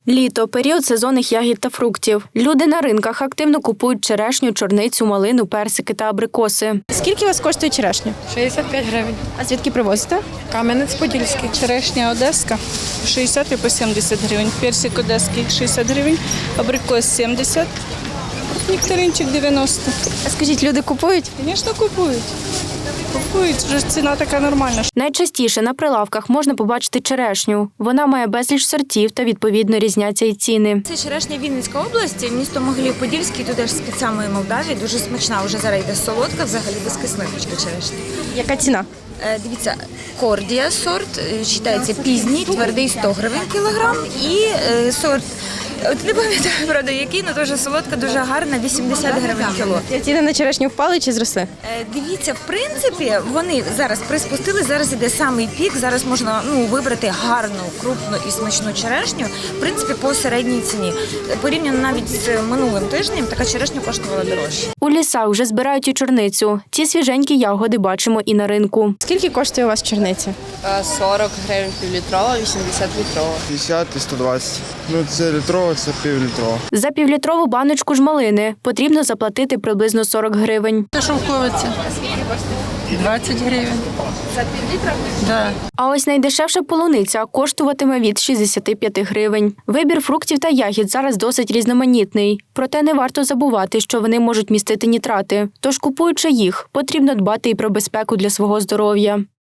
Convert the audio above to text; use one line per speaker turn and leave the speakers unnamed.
Літо – період сезонних ягід та фруктів. Люди на ринках активно купують черешню, чорницю, малину, персики та абрикоси.
Скільки у вас коштує черешня?
65 гривень.
А звідки привозите?
Кам'янець-Подільський.
Черешня одеська 60 і по 70 гривень, персик одеський 60 гривень, абрикос 70, нектаринчик 90.
А скажіть, люди купують?
Звісно, купують. Купують, вже ціна така нормальна.
Найчастіше на прилавках можна побачити черешню. Вона має безліч сортів та відповідно різняться й ціни.
Це черешня Вінницька область, місто Могилів-Подільський, туди ж з-під самої Молдавії, дуже смачна, вже зараз йде солодка, взагалі без кислиночки черешня.
Яка ціна?
Дивіться, кордія сорт, вважається пізній, твердий 100 гривень кілограм і сорт, от не пам'ятаю, правда, який, але дуже солодка, дуже гарна, 80 гривень кіло.
Ціни на черешню впали чи зросли?
Дивіться, в принципі, вони зараз приспустили, зараз іде самий пік, зараз можна вибрати гарну, крупну і смачну черешню, в принципі, по середній ціні. Порівняно навіть з минулим тижнем, така черешня коштувала дорожче.
У лісах вже збирають і чорницю. Ці свіженькі ягоди бачимо і на ринку.
Скільки коштує у вас чорниця?
40 гривень півлітрова, 80 літрова.
50 і 120. Це літрова, це півлітрова.
За півлітрову баночку ж малини потрібно заплатити приблизно 40 гривень.
Шовковиця 20 гривень. За півлітра? Так.
А ось найдешевша полуниця коштуватиме від 65 гривень. Вибір фруктів та ягід зараз досить різноманітний. Проте не варто забувати, що вони можуть містити нітрати. Тож, купуючи їх, потрібно дбати і про безпеку для свого здоров'я.